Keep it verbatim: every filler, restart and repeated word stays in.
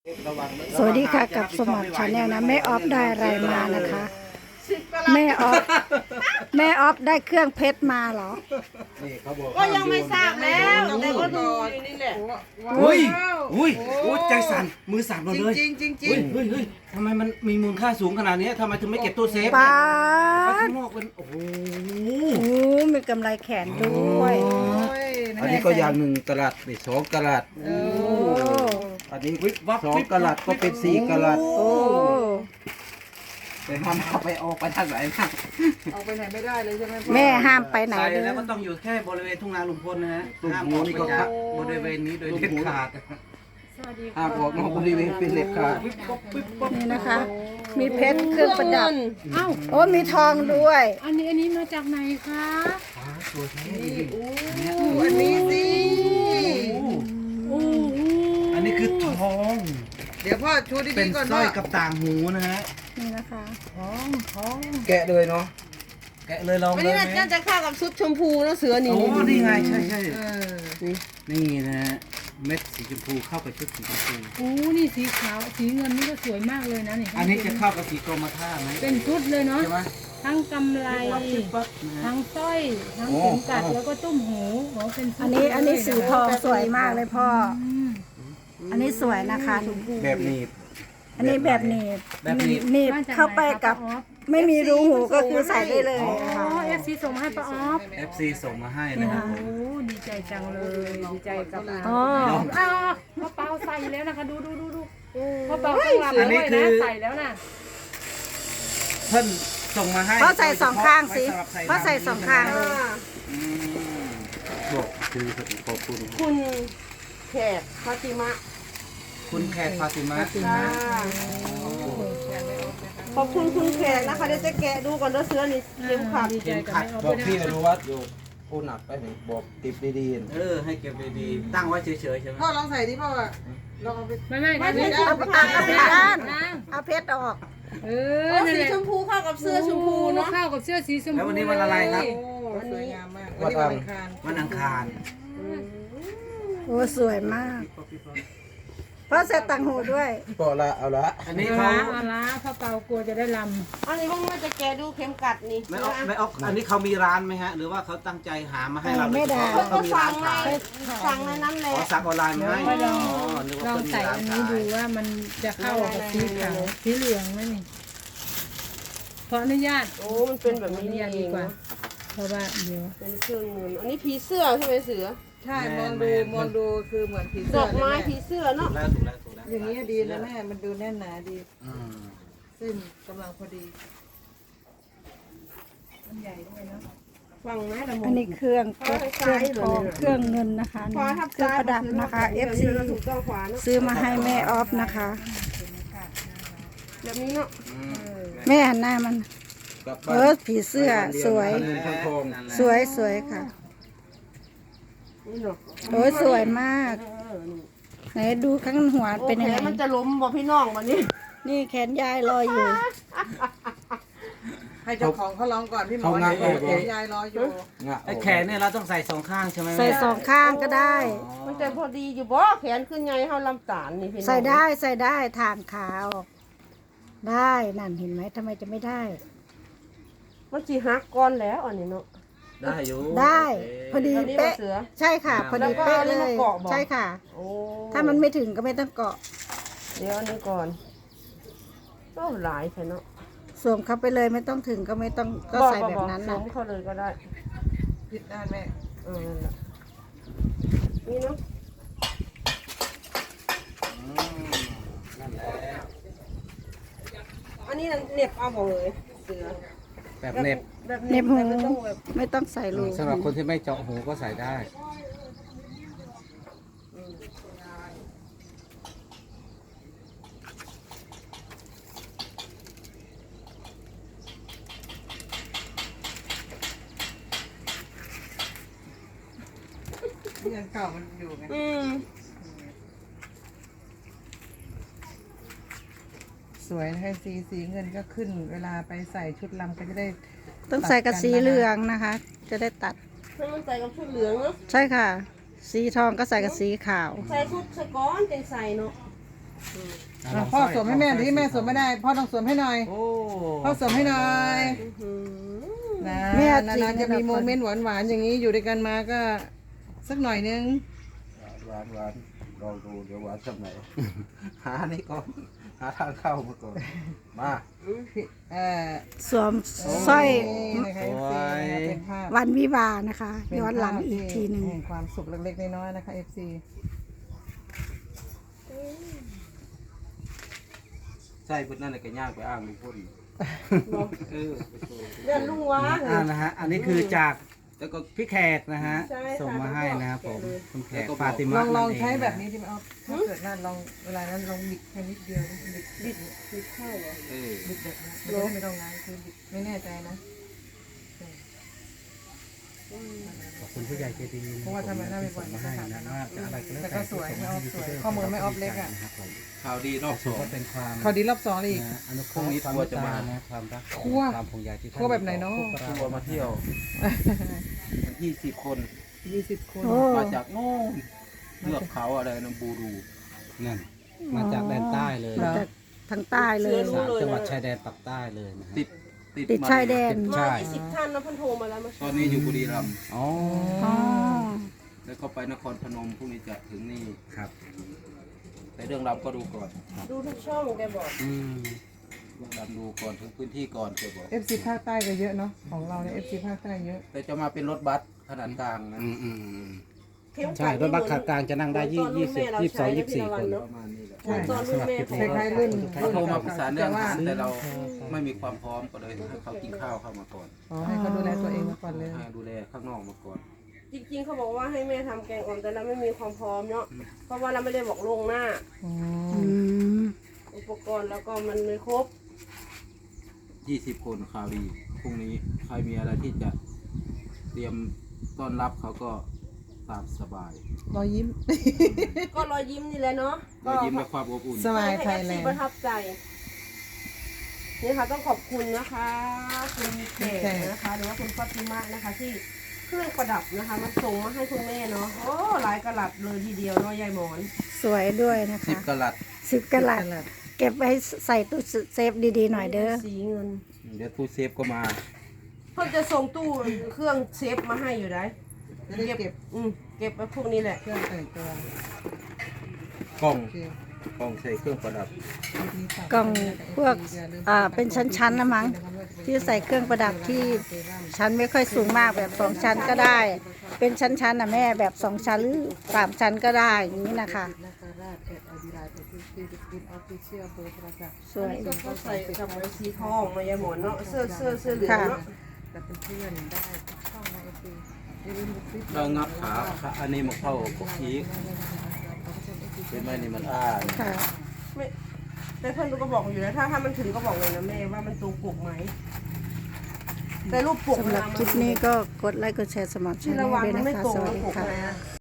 สวัสดีค่ะกับสมัครชาแนลนะแม่ออฟได้อะไรมานะคะแม่ออฟแม่ออฟได้เครื่องเพชรมาเหรอก็ยังไม่ทราบแล้วแต่ก็ดูอยู่นี่แหละอุ้ยอุ้ยอุ้ยใจสั่นมือสั่นหมดเลยจริงจริงจริเฮ้งยเฮ้ยเฮ้ยทำไมมันมีมูลค่าสูงขนาดนี้ทำไมถึงไม่เก็บตู้เซฟป้าไปดข้างนอกเป็นโอ้โหโอ้มีกำไรแขนด้วยอันนี้ก็อย่างหนึ่งกะลัดนี่สองกะลัดโอ้อันนี้วิบวับสองกะลัดก็เป็นสี่กะลัดโอ้แต่ห้ามเอาไปออกไปทางไหนนะเอาไปไหนไม่ได้เลยใช่ไหมพ่อแม่ห้ามไปไหนใส่เลยแล้วก็ต้องอยู่แค่บริเวณทุ่งนาลุงพลนะฮะห้ามออกไปจากบริเวณนี้โดยเด็ดขาดห้ามออกนอกบริเวณเป็นเล็บขาดวิบวับวิบวับนี่นะคะ มีเพชรเครื่องประดับโอ้มีทองด้วยอันนี้อันนี้มาจากไหนคะตัวแท้อันนี้สิโอ้โหอันนี้คือทองเดี๋ยวพ่อชูเป็ดีนๆก่อนสร้พ่ออยกับต่างหูนะฮะนี่นะคะแกะเลยเนาะแกะเลยลองอันเลนี้ยไหมน่าจะเข้ากับชุดชมพูนะเสือนี่โอ้นี่ไงใช่ใช่เออนี่นะฮะเม็ดสีชมพูเข้ากับชุดสีชมพูโอ้นี่สีขาวสีเงินนี่ก็สวยมากเลยนะนี่อันนี้จะเข้ากับสีกรมท่าไหมเป็นชุดเลยเนาะใช่ไหมทั้งกำไรปั๊บนะฮะทั้งสร้อยทั้งเข็มกัดแล้วก็ตุ้มหูโอ้เป็นชุดอันนี้อันนี้สีทองสวยมากเลยพ่ออืมอันนี้สวยนะคะแบบหนี้อันนี้แบบหนีบแบบนี้หนีบเข้าไปกับ ไม่มีรูหูก็คือใส่ได้เลยอ๋ค่ะอเอฟซีส่งมาให้ป้าออฟเอฟซีส่งมาให้นะครับโอ้ดีใจจังเลยดีใจกับเราอ๋ออ้าวพ่อเปาใส่แล้วนะคะดูดูดูดูพ่อเปาข้างหลังด้วยนะใส่แล้วนะเพิ่นส่งมาให้เพราะใส่สองข้างสิไว้สำหรับเพราะใส่สองข้างเลยอืมบอกคือขอบคุณคุณแขกฟาติมะคุณแขกฟาติมาขอบคุณคุณแขกนะคะเดี๋ยวจะแกะดูก่อนนะเสือนี่เข็มขัดดีใจกับแม่ออฟบอกด้วยพี่นะอนุวัฒน์อยู่ผู้หนักไปหนึ่งบอกติดดีๆเออให้เก็บดีๆตั้งไว้เฉยๆใช่ไหมพ่อลองใส่ดิพ่ออะลองเอาไปไม่ไม่ไม่ไม่ใช่ไม่เอาไปตากเอาไปด้านนางเอาเพชรออกเอเอออนั่นสีแหละชมพูเข้ากับเสื้อชมพูเนาะเข้ากับเสื้อสีชมพูแล้ววันนี้วันอะไรครับโอ้สวยงามมากวันนี้วันอังคารวันอังคารโอ้สวยมาก เพราะใส่ต่างหูด้วยพอละเอาละอันนี้เอาเขาละเอาละพ่อเปากลัวจะได้ลอันนี้พ่อว่าจะแกะดูเข็มกัดนี่ไม่ออกไม่ออกอันนี้เขามีร้านไหมฮะ หรือว่าเขาตั้งใจหามาให้เราไม่ได้เขาก็มีสั่ร้าง นไงขายสั่งในนั้นแหละขอสั่งออนไลน์มาให้ำไปลองอ๋อนึกว่าลองเพิ่นมีใส่ร้าอันนขานี้ดูยว่ามันจะเข้ากับสีขาวสีเหลืองไหมนี่ขออนุญาตโอ้มันเป็นแบบขออนี้นุนี่ญาตเอดีงกว่านะเพราะว่าเดี๋ยวเป็นเครื่องเงินอันนี้ผีเสื้อใช่ไหมเสือใช่มองดูมองดูคือเหมือนผีดเสื้ออกไม้เลยผีเสื้อถูเนาะกแล้วถูกแล้วถูกแล้วแม่อย่างนี้ดีแล้วแม่มันดูแน่นหนาดีอืมเส้นกำลังพอดีมันใหญ่ด้วยเนาะฟังนะละมุอันนี้เครื่องเพชรเครื่องทองเครื่องเงินนะคะขวาทับเครื่องซ้ายประดับนะคะ เอฟ ซีถูกต้องขวาเนาะซื้อมาให้แม่ออฟนะคะแบบนี้เนาะอืมแม่หันหน้ามันกลับเอบ้านอผีเสื้อสวยเงินทั้งทองนั่นแหละสวยสวยค่ะนี่เนาะโอ้ยสวยมาก ไหนดูข้างหัวโอเป็นยังเคไงมันจะล้มบ่พี่น้องวันนี้นี่แขนยายลอยอยู่ให้เจ้าของเขาลองก่อนพี่หมอเขางัดออกเดี๋ยวยายรออยู่งะไอ้แขนเนี่ยเราต้องใส่สองข้างใช่ไหมแม่ใส่สองข้างก็ได้มันจะพอดีอยู่บ่แขนขึ้นไงเฮาลำตาลนี่พี่น้องใส่ได้ใส่ได้ทางขาว ได้นั่นเห็นไหมทำไมจะไม่ได้มันสิหักก่อนแล้วอันนี้เนาะได้อยู่ได้พอดีอันนี้เป๊ะบ่เสือใช่ค่ะ พอดีเป๊ะแล้เลวก็เอาอันนี้ยมาเกาะบ่ใช่ค่ะโอ้ถ้ามันไม่ถึงก็ไม่ต้องเกาะเดี๋ยวอันนี้ก่อนก็หลายใช่เนาะสวมเข้าไปเลยไม่ต้องถึงก็ไม่ต้องก็ใส่แบบนั้นสนะวมเข้าเลยก็ได้ผิดด้านแม่เออนั่นแหละนี่เนาะอืมนั่นแหละอันนี้เหน็บเอาบ่เลยเสือแบบเน็บแบบเน็บหูแบบไม่ต้องแบบไม่ต้องใส่รูสำหรับคนที่ไม่เจาะหูก็ใส่ได้ที่อันเก่ามันอยู่ไงอืมสวยนะคะสีสีเงินก็ขึ้น เวลาไปใส่ชุดลำก็จะได้ต้องใส่กับสีเหลืองนะคะ จะได้ตัดให้มันใส่กับชุดเหลืองเนาะใช่ค่ะ สีทองก็ใส่กับสีขาวใส่ชุดสก้อนจังใส่เนาะอ่ะพ่อสวมให้แม่ที่แม่สวมไม่ได้พ่อต้องสวมให้หน่อยโอ้พ่อสวมให้หน่อยอืมนะแม่นานๆจะมีโมเมนต์หวานๆอย่างนี้อยู่ด้วยกันมาก็สักหน่อยนึงหวานหวานลองดูเดี๋ยวหวานสักไหนหานี่ก่อนหาทางเข้ามาก่อนมาพี่เอ่อสวมสร้อยนี่นะคะ เอฟ ซี นะคะเป็นภาพวันวิวาห์นะคะเป็นย้อนหลังภาพอีกทีหนึ่งแห่ความสุขเล็กๆน้อยๆนะคะ เอฟ ซีใช่เพื่อนนั่นแหละก็ย่างไปอ้างลุงพลเออไปโชว์เรื่องลุงว้าอ่านะฮะอันนี้คือจากแล้วก็พี่แขกนะฮะใช่ค่ะส่งมาให้นะครับผมคุณแขกแล้วก็บอกฟาติลมาองลองนั่นเใช้แบบนี้ที่มันเอาถ้าเกิดนั่นลองเวลานั้นลองบิดแค่นิดเดียวบิดบิดบิดเข้าเหรอเออบิดแบบนี้มันจะได้ไม่ต้องง้างคือบิดไม่แน่ใจนะขอบคุณผู้ใหญ่ใจดีเพราะว่าทำไมได้ไม่บ่อยส่งมาให้นะว่าจะอะไรก็แล้วแต่ก็สวยไม่ออฟสวยข้อมือไม่ออฟเล็กอะนะครับผมข่าวดีรอบสถือองว่าเป็นความเขาดีรอบสองเลยอีกนะอนุเคราะห์ความเมตตานะความรักคั่วความห่วงใยที่ท่านคั่วแบบไหนเนาะพวกเราทัวร์มาเที่ยวยี่สิบคนยี่สิบคนโอ้มาจากโน่นเลือกเขาอะไรนะบูรูนั่นมาจากแดนใต้เลยมาจากทางใต้เลยสามจังหวัดชายแดนปักใต้เลยนะฮะติดติดติดมชายแดนใช่มายี่สิบท่านนะเพันโทรมาแล้วมาตอนนี้อยู่บุรีรัมย์อ๋ออ๋อแล้วก็ไปนครพนมพรุ่งนี้จะถึงนี่ครับแต่เรื่องรำก็ดูก่อนดูทุกช่องแกบอกอืมเรื่องรำดูก่อนถึงพื้นที่ก่อนเกิดบอกเอฟซีภาคใต้ก็เยอะเนาะของเราเนี่ยเอฟซีภาคใต้เยอะแต่จะมาเป็นรถบัสขนาดกลางนะอืมอืมอืมเข้มใช่รถบัสขากลางจะนั่งได้ยี่ยี่สิบยี่สิบสองยี่สิบสี่คนประมาณนี้แหละเหมือนตอนรุ่นแม่คล้ายๆรุ่นเขาโทรมาปรึกษาเรื่องแต่ว่าอาหารแต่เราไม่มีความพร้อมก็เลยให้เขากินข้าวเข้ามาก่อนอ๋อให้เขาดูแลตัวเองมาก่อนเลยให้ดูแลข้างนอกมาก่อนจริงๆเขาบอกว่าให้แม่ทำแกงอ่อมแต่เราไม่มีความพร้อมเนาะเพราะว่าเราไม่ได้บอกลวงหน้าอือืมมอุปกรณ์แล้วก็มันไม่ครบยี่สิบคนข่าวดีพรุ่งนี้ใครมีอะไรที่จะเตรียมต้อนรับเขาก็ตามสบายรอยยิ้มก็รอยยิ้มนี่แหละเนาะเรายิ้มและความอบอุ่นสบายให้ไทเอย ฟแลซีนด์ประทับใจนี่ค่ะต้องขอบคุณนะคะคุณเขกนะคะหรือว่าคุณฟาติมะนะคะ ที่เครื่องประดับนะคะมาส่งมาให้คุณแม่เนาะโอ้หลายกะลัดเลยทีเดียวเนาะยายหมอนสวยด้วยนะสิบคะกะลัดสิบกะลัดเก็บไว้ใส่ตู้เซฟดีๆหน่อยเด้อสีเงินเดี๋ยวตู้เซฟก็มาเพิ่งจะส่งตู้เครื่องเซฟมาให้อยู่ได้จะได้เก็บอืมเก็บไว้พวกนี้แหละเครื่องแต่งตัวกล่องโอเคกล่องใส่เครื่องประดับกล่องพวกอ่าเป็นชั้นๆนะมั้งที่ใส่เครื่องประดับที่ชั้นไม่ค่อยสูงมากแบบสองชั้นก็ได้ เป็นชั้นๆนะแม่แบบสองชั้นหรือสามชั้นก็ได้อย่างนี้นะคะนาคาราชแอดอดีไลน์เป็นที่ที่ดิออฟฟิเชียลเบอร์โทรศัพท์สวยก็เขาใส่กับไอ้สีทองมายายหมอนเนาะเสื้อเสื้อเสื้อเหลืองเนาะกับเพื่อนๆได้ช่องในเอฟซีอย่าลืมดูคลิปเรางับขาขาอันนี้มาเข้าพวกอีกเป็นไหมนี่มันอ้าค่ะไม่แต่เพื่อนก็บอกอยู่แล้วถ้าถ้ามันถึงก็บอกเลยนะแม่ว่ามันตรงปกไหมแต่รูปปกสำหรับคลิปนี้ก็กดไลค์กดแชร์สมัครช่ที่องระวังด้วยมันนะไม่คะตรงสวัสรูปดีปกค่ะนะ